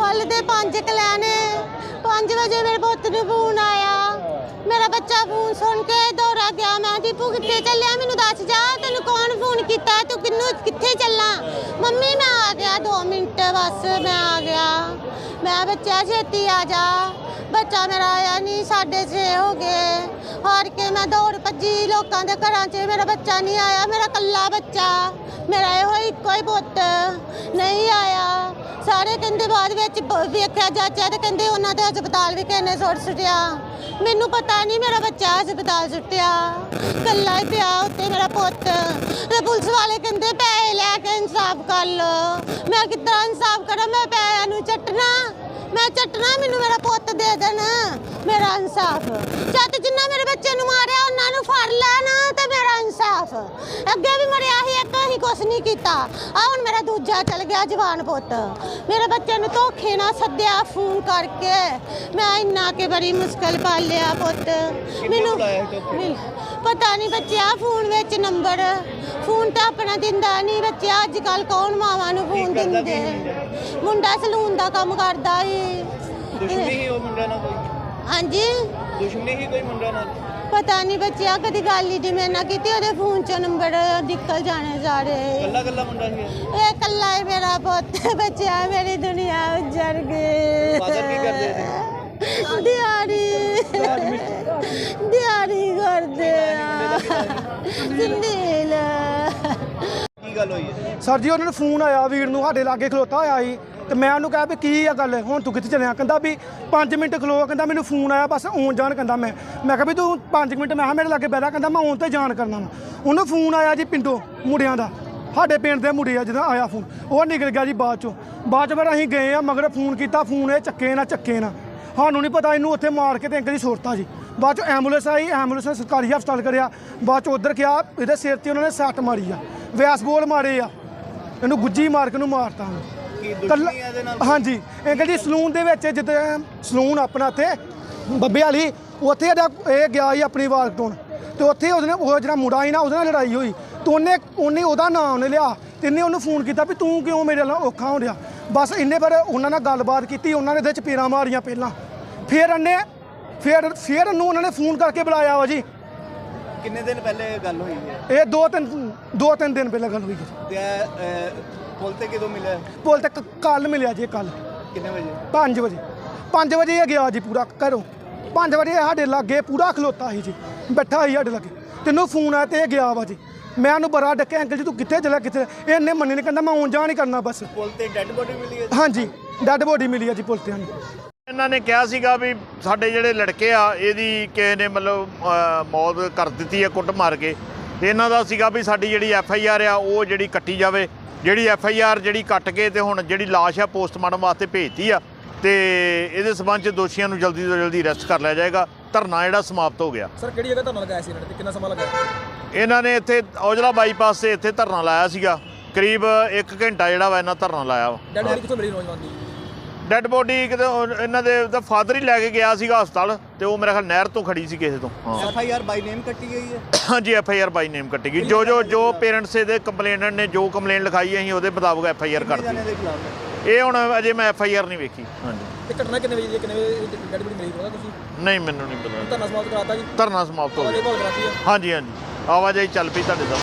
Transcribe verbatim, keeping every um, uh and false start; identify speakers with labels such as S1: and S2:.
S1: कल दे पांच कलैने पांच बजे मेरे पुत्त नूं फोन आया। मेरा बच्चा फोन सुन के दौड़ा गया। मैं दीपू कित्थे चलिया मैनू दस जा तेनू कौन फोन किया तू किन्नू कित्थे चलना। मम्मी मैं आ गया दो मिनट बस मैं आ गया। मैं बच्चा छेती आ जा। बच्चा मेरा आया नहीं साढ़े छे हो गए। हार के मैं दौड़ भजी लोगों के घर च मेरा बच्चा नहीं आया। मेरा कल्ला बच्चा मेरा यो इको ही पुत्त नहीं आया। सारे कहते बाद वेख्या जाचा तो कहते उन्होंने हस्पताल भी किसी ने सुट सुटिया। मैनू पता नहीं मेरा बच्चा हस्पताल सुटिया कल्ला ही पिया उत्ते मेरा पुत्त। तो पुलिस वाले कहते पैसे लैके इंसाफ कर लो। मैं कितना इंसाफ करा मैं पैसों चटना मैं चटना मैनू मेरा पुत्त दे देना मेरा इंसाफ। जद जिन्ना मेरे बच्चे नूं मारिया उन्होंने फड़ लेना तो मेरा इंसाफ। अगे भी मरिया ही एक ही कुछ नहीं किया। आ हुण मेरा दूजा चल गया जवान पुत्त। मेरे बच्चे नूं धोखे ना सद्दिया फोन करके मैं इन्ना के बड़ी मुश्किल पालिया पुत्त। मैनू पता नहीं बच्चा फोन विच नंबर फोन तो अपना दिंदा नहीं। बच्चे अजकल कौन मावां नूं फोन दिंदे। मुंडा सलून का काम करदा ही।
S2: दुश्मनी ही वो मुंडा ना कोई। हाँ
S1: जी
S2: दुश्मनी ही कोई मुंडा ना।
S1: पता नहीं बच्चा कभी गल ही जिवें ना की ओहदे फोन चो नंबर निकल जाने सारे।
S2: कल्ला कल्ला मुंडा ही
S1: ये कल्ला ही मेरा पुत्त बच्चा मेरी दुनिया उजड़ गई।
S2: फादर की करदे थे
S1: दिहाड़ी दिहाड़ी करदे संदील
S2: की गल होई है
S3: सर जी उन्होंने फोन आया वीर नूं साडे लागे खलोता होया ही तो मैं उन्होंने कहा भी की आ गल हुण तू कित्थे चलिया। कहंदा भी पाँच मिनट खलो कहंदा मैनू फोन आया बस आउण जान। कहंदा मैं मैं कहा भी तू पाँच मिनट मैं मेरे लागे बैठा। कहंदा मैं आउण ते जान करना वा। उन्होंने फोन आया जी पिंडों मुंडियां दा साडे पिंड दे मुंडे आ जदों आया फोन वो निकल गया जी बाद चों। बाद च फिर असीं गए आ मगर फोन किया फोन ये चक्के ना चक्के ना सानूं नहीं पता इनू उत्थे मार के ते अंकल जी सुरता जी। बाद चों एंबूलेंस आई एंबूलेंस ने सरकारी हस्पताल करिया। बाद चों उधर गया इहदे सिर ते उन्होंने सੱਟ मारी आ वैस बोल मारे आ इनू गुज्जी मार के मारता। हाँ जी अंकल जी सलून दे विच जिद्दां सलून अपना इत्थे बब्बे वाली उत्थे ये गया ही अपनी वार कटाउण तो उत्थे उसने वो जिहड़ा मुंडा ही ना उसदे नाल लड़ाई होई तो उन्हें उन्हें ओहदा नाम उन्हें लिया तो इन्हें उन्हें फोन किया भी तू क्यों मेरे नाल औखा हो रहा। बस इन्हें फिर उन्होंने नाल गलबात की उन्होंने इहदे चपेड़ां मारियां पहलां फिर इन्हें फिर फिर इन्हूं उन्होंने फोन करके बुलाया वा जी।
S2: किन्ने दिन पहले गल हुई है
S3: ये दो तीन दो तीन दिन पहले गल हुई
S2: है। पुल ते किदों मिले
S3: पुल ते कल मिलिया जी कल
S2: किन्ने बजे
S3: पाँच बजे पाँच बजे ये गया जी पूरा घरों पाँच बजे साढ़े लागे पूरा खलोता ही जी बैठा ही साढ़े लागे तेनों फोन आया तो गया वा जी। मैं उन्होंने बड़ा डके अंकल जी तू कित्थे चलिया कित्थे इन्हें मन्नी नहीं कहना मैं आउण जान ही करना बस।
S2: पुल ते डेड बॉडी मिली है
S3: हाँ जी डेड बॉडी मिली है जी पुल ते। हाँ
S4: ਇਹਨਾਂ ਨੇ ਕਿਹਾ ਸੀਗਾ ਵੀ ਸਾਡੇ ਜਿਹੜੇ ਲੜਕੇ ਆ ਇਹਦੀ ਕਿਸੇ ਨੇ ਮਤਲਬ ਮੌਤ ਕਰ ਦਿੱਤੀ ਹੈ ਕੁੱਟ ਮਾਰ ਕੇ ਤੇ ਇਹਨਾਂ ਦਾ ਸੀਗਾ ਵੀ ਸਾਡੀ ਜਿਹੜੀ ਐਫ ਆਈ ਆਰ ਆ ਉਹ ਜਿਹੜੀ ਕੱਟੀ ਜਾਵੇ। ਜਿਹੜੀ ਐਫ ਆਈ ਆਰ ਜਿਹੜੀ ਕੱਟ ਕੇ ਤੇ ਹੁਣ ਜਿਹੜੀ ਲਾਸ਼ ਆ ਪੋਸਟਮਾਰਟਮ ਵਾਸਤੇ ਭੇਜਤੀ ਆ ਤੇ ਇਹਦੇ ਸਬੰਧ 'ਚ ਦੋਸ਼ੀਆਂ ਨੂੰ ਜਲਦੀ ਤੋਂ ਜਲਦੀ ਅਰੈਸਟ ਕਰ ਲਿਆ ਜਾਏਗਾ। ਧਰਨਾ ਜਿਹੜਾ ਸਮਾਪਤ ਹੋ ਗਿਆ।
S5: ਸਰ ਕਿਹੜੀ ਜਗ੍ਹਾ ਧਰਨਾ ਲਗਾਇਆ ਸੀ ਇਹਨਾਂ ਨੇ ਤੇ ਕਿੰਨਾ ਸਮਾਂ ਲਗਾਇਆ?
S4: ਇਹਨਾਂ ਨੇ ਇੱਥੇ ਔਜਲਾ ਬਾਈਪਾਸ 'ਤੇ ਇੱਥੇ ਧਰਨਾ ਲਾਇਆ ਸੀਗਾ ਕਰੀਬ ਇੱਕ ਘੰਟਾ ਜਿਹੜਾ ਵਾ ਇਹਨਾਂ ਧਰਨਾ ਲਾਇਆ ਵਾ।
S5: ਡੈਡ ਬੋਡੀ ਕਿੱਥੋਂ ਮਿਲੀ ਨੌਜਵਾਨ ਦੀ?
S4: ਡੈਡ ਬੋਡੀ ਕਿਤੇ ਇਹਨਾਂ ਦੇ ਤਾਂ ਫਾਦਰ ਹੀ ਲੈ ਕੇ ਗਿਆ ਸੀਗਾ ਹਸਪਤਾਲ ਤੇ ਉਹ ਮੇਰੇ ਖਿਆਲ ਨਹਿਰ ਤੋਂ ਖੜੀ ਸੀ ਕਿਸੇ ਤੋਂ।
S2: ਐਫ ਆਈ ਆਰ ਬਾਈ ਨੇਮ ਕੱਟੀ ਗਈ ਹੈ।
S4: ਹਾਂਜੀ ਐਫ ਆਈ ਆਰ ਬਾਈ ਨੇਮ ਕੱਟੀ ਗਈ। ਜੋ ਜੋ ਜੋ ਪੇਰੈਂਟਸ ਇਹਦੇ ਕੰਪਲੇਨਟ ਨੇ ਜੋ ਕੰਪਲੇਨ ਲਿਖਾਈ ਅਸੀਂ ਉਹਦੇ ਮੁਤਾਬਕ ਐਫ ਆਈ ਆਰ ਕਰਤੀ। ਇਹ ਹੁਣ ਅਜੇ ਮੈਂ ਐਫ ਆਈ ਆਰ ਨਹੀਂ ਵੇਖੀ। ਹਾਂਜੀ
S5: ਤੇ ਘਟਨਾ ਕਿੰਨੇ ਵਜੇ ਦੀ ਕਿੰਨੇ ਵਜੇ ਡੈਡ ਬੋਡੀ ਮਿਲੀ ਪਤਾ ਤੁਸੀਂ?
S4: ਨਹੀਂ ਮੈਨੂੰ ਨਹੀਂ ਪਤਾ।
S5: ਧਰਨਾ ਸਮਾਪਤ ਕਰਾਤਾ ਜੀ?
S4: ਧਰਨਾ ਸਮਾਪਤ ਹੋ ਗਿਆ।
S5: ਹਾਂਜੀ
S4: ਹਾਂਜੀ ਹਾਂਜੀ ਆਵਾਜਾਈ ਚੱਲ ਪਈ ਤੁਹਾਡੇ ਦਾ।